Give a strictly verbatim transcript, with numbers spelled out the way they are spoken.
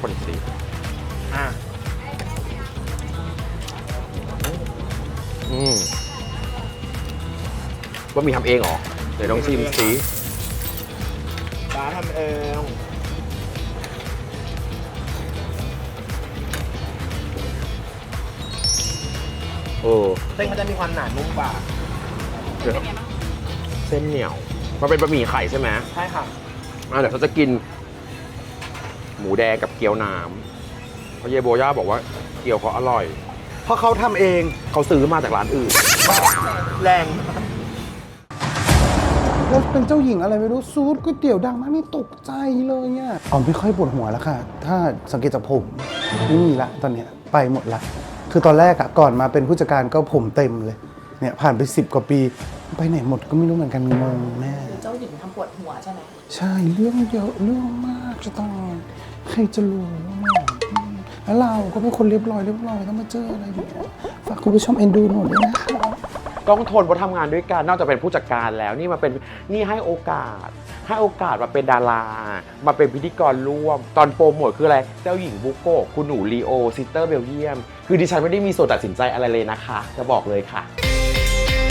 คนสิอ่ะอืมบะหมี่ทำเองเหรอเดี๋ยวลองชิมสิร้านทำเองเออเส้นเขาจะมีความหนานุ่มกว่าเดี๋ยวเส้นเหนียวมันเป็นบะหมี่ไข่ใช่ไหมใช่ค่ะอ่ะเดี๋ยวเขาจะกิน หมูแดงกับเกี๊ยวน้ำเพราะเยโบย่าบอกว่าเกี๊ยวเขาอร่อยเพราะเขาทำเองเขาซื้อมาจากร้านอื่นแรงแล้วเป็นเจ้าหญิงอะไรไม่รู้ซูดก๋วยเตี๋ยวดังมากนี่ตกใจเลยเนี่ยอ๋อไม่ค่อยปวดหัวแล้วค่ะ ถ้าสังเกตจากผมไม่มีละตอนเนี้ยไปหมดละคือตอนแรกอะก่อนมาเป็นผู้จัดการก็ผมเต็มเลยเนี่ยผ่านไปสิบกว่าปีไปไหนหมดก็ไม่รู้เหมือนกันงงแน่เจ้าหญิงทำปวดหัวใช่ไหมใช่เรื่องเยอะเรื่องมากจะต้องใครจะรู้แล้วเราก็เป็นคนเรียบร้อยเรียบร้อยต้องมาเจออะไรอย่างเงี้ยฝากคุณผู้ชมเอ็นดูหน่อยด้วยนะคะต้องทนเพราะทำงานด้วยกันนอกจากเป็นผู้จัดการแล้วนี่มาเป็นนี่ให้โอกาสให้โอกาสมาเป็นดารามาเป็นพิธีกรร่วมตอนโปรโมทคืออะไรเจ้าหญิงบุโกะคุณหนูลีโอซิสเตอร์เบลเยียมคือดิฉันไม่ได้มีส่วนตัดสินใจอะไรเลยนะคะจะบอกเลยค่ะ